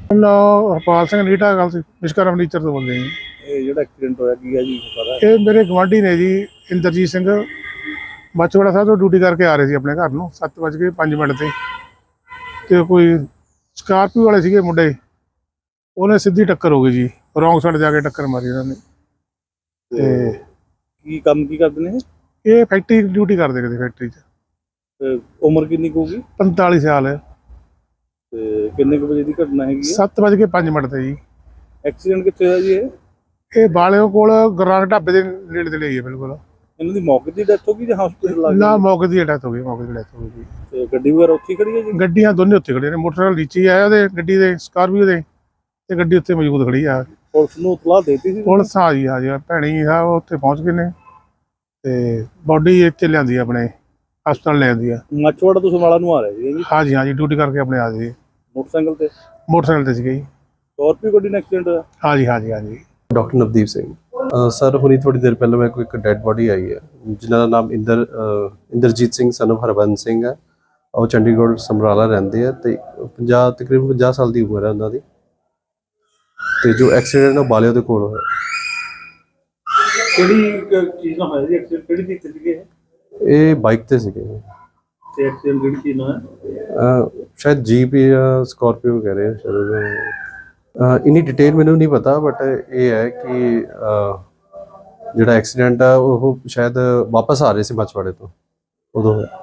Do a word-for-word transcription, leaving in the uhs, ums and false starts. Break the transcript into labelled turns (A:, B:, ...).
A: ਨਾ ਹਰਪਾਲ ਸਿੰਘ ਨੀਟਾ ਗੱਲ ਸੀ ਵਿਸ਼ਕਰਮ ਫਰਨੀਚਰ ਤੋਂ ਬੋਲਦੇ ਜੀ।
B: ਇਹ ਜਿਹੜਾ ਐਕਸੀਡੈਂਟ ਹੋਇਆ ਕੀ ਹੈ ਜੀ ਪਤਾ?
A: ਇਹ ਮੇਰੇ ਗੁਆਂਢੀ ਨੇ ਜੀ ਇੰਦਰਜੀਤ ਸਿੰਘ ਮਾਛੀਵਾੜਾ ਸਾਹਿਬ ਤੋਂ ਡਿਊਟੀ ਕਰਕੇ ਆ ਰਹੇ ਸੀ ਆਪਣੇ ਘਰ ਨੂੰ ਸੱਤ ਵੱਜ ਕੇ ਪੰਜ ਮਿੰਟ ਤੇ ਤੇ ਕੋਈ ਸਕਾਰਪੀਓ ਵਾਲੇ ਸੀਗੇ ਮੁੰਡੇ, ਉਹਨੇ ਸਿੱਧੀ ਟੱਕਰ ਹੋ ਗਈ ਜੀ, ਰੌਂਗ ਸਾਈਡ ਜਾ ਕੇ ਟੱਕਰ ਮਾਰੀ ਉਹਨਾਂ ਨੇ। ਤੇ
B: ਕੀ ਕੰਮ ਕੀ ਕਰਦੇ ਨੇ
A: ਇਹ ਫੈਕਟਰੀ ਡਿਊਟੀ ਕਰਦੇ ਕਿਤੇ ਫੈਕਟਰੀ 'ਚ।
B: ਤੇ ਉਮਰ ਕਿੰਨੀ ਕੁ ਹੋਊਗੀ
A: ਪੰਤਾਲੀ ਸਾਲ ਹੈ।
B: ਤੇ ਕਿੰਨੇ ਕੁ ਵਜੇ ਦੀ ਘਟਨਾ ਹੈਗੀ ਹੈ?
A: ਸੱਤ ਵੱਜ ਕੇ ਪੰਜ ਮਿੰਟ ਤੇ ਜੀ।
B: ਐਕਸੀਡੈਂਟ ਕਿੱਥੇ ਹੋਇਆ ਜੀ ਇਹ?
A: ਇਹ ਬਾਲਿਓ ਕੋਲ ਗੁਰਨਾਨਕ ਢਾਬੇ ਦੇ ਨੇੜੇ ਤੇ ਲਈ ਹੈ ਬਿਲਕੁਲ।
B: ਇਹਨਾਂ ਦੀ ਮੌਕੇ ਦੀ ਡੈਥ ਹੋ ਗਈ ਜਾਂ ਹਸਪੀਟਲ ਲੱਗ
A: ਨਾ
B: ਗਈ?
A: ਮੌਕੇ ਦੀ ਡੈਥ ਹੋ ਗਈ, ਮੌਕੇ ਦੀ ਡੈਥ ਹੋ ਗਈ।
B: ਤੇ ਗੱਡੀ ਵਗੈਰਾ ਉੱਥੇ ਹੀ ਖੜੀ ਹੈ ਜੀ?
A: ਗੱਡੀਆਂ ਦੋਨੇ ਉੱਥੇ ਖੜੀਆਂ ਨੇ, ਮੋਟਰਸਾਈਕਲ ਨੀਚੇ ਹੀ ਆਇਆ ਉਹਦੇ ਗੱਡੀ ਦੇ ਸਕਾਰਪੀਓ ਦੇ ਤੇ ਗੱਡੀ ਉੱਥੇ ਮੌਜੂਦ ਖੜੀ ਆ।
B: ਪੁਲਿਸ ਨੂੰ ਇਤਲਾਹ ਦੇਤੀ ਸੀ?
A: ਪੁਲਿਸ ਆ ਜੀ ਆ ਜੀ ਭੈਣੀ ਸਾਹਿਬ ਉੱਥੇ ਪਹੁੰਚ ਗਏ ਨੇ ਤੇ ਬਾਡੀ ਇੱਥੇ ਲਿਆਂਦੀ ਆ ਆਪਣੇ ਹਸਪਤਾਲ ਲੈ ਆਂਦੀ ਆ।
B: ਮਾਛੀਵਾੜਾ ਤੋਂ ਸਮਰਾਲਾ ਨੂੰ ਆ ਰਹੇ ਸੀ ਜੀ?
A: ਹਾਂਜੀ ਹਾਂਜੀ ਡਿਊਟੀ ਕਰਕੇ ਆਪਣੇ ਆ ਜੀ।
B: ਮੋਟਰਸਾਈਕਲ ਤੇ?
A: ਮੋਟਰਸਾਈਕਲ ਤੇ ਸੀਗੇ ਜੀ।
B: ਸਕਾਰਪੀਓ ਗੱਡੀ ਨਾਲ ਐਕਸੀਡੈਂਟ ਹੋਇਆ?
A: ਹਾਂਜੀ ਹਾਂਜੀ ਹਾਂਜੀ।
C: ਡਾਕਟਰ ਨਵਦੀਪ ਸਿੰਘ ਸਰ, ਹੁਣੀ ਥੋੜੀ ਦੇਰ ਪਹਿਲਾਂ ਮੇਰੇ ਕੋਲ ਇੱਕ ਡੈਡ ਬੋਡੀ ਆਈ ਹੈ ਜਿਨ੍ਹਾਂ ਦਾ ਨਾਮ ਇੰਦਰ ਇੰਦਰਜੀਤ ਸਿੰਘ ਸਨ ਆਫ ਹਰਬੰਸ ਸਿੰਘ ਹੈ। ਉਹ ਚੰਡੀਗੜ੍ਹ ਸਮਰਾਲਾ ਰਹਿੰਦੇ ਆ ਤੇ ਪੰਜਾਹ ਤਕਰੀਬਨ ਪੰਜਾਹ ਸਾਲ ਦੀ ਉਮਰ ਹੈ ਉਹਨਾਂ ਦੀ। ਤੇ ਜੋ ਐਕਸੀਡੈਂਟ ਉਹ ਬਾਲਿਓ ਦੇ ਕੋਲ ਹੋਇਆ।
B: ਕਿਹੜੀ ਚੀਜ਼ ਨਾਲ ਹੋਇਆ ਜੀ ਐਕਸੀਡੈਂਟ? ਕਿਹੜੀ ਚੀਜ਼ ਤੇ ਸੀਗੇ
C: ਇਹ ਬਾਈਕ ਤੇ ਸੀਗੇ।
B: ਤੇ ਐਕਸੀਡੈਂਟ ਕਿਹੜੀ ਚੀਜ਼ ਨਾਲ ਹੈ?
C: ਸ਼ਾਇਦ ਜੀਪ ਜਾਂ ਸਕਾਰਪੀਓ ਕਹਿ ਰਹੇ ਆ ਸ਼ਾਇਦ। ਇਨੀ ਡਿਟੇਲ ਮੈਨੂੰ ਨਹੀਂ ਪਤਾ, ਬਟ ਇਹ ਹੈ ਕਿ ਜਿਹੜਾ ਐਕਸੀਡੈਂਟ ਆ ਉਹ ਸ਼ਾਇਦ ਵਾਪਸ ਆ ਰਹੇ ਸੀ ਮਾਛੀਵਾੜੇ ਤੋਂ, ਉਦੋਂ ਹੋਇਆ।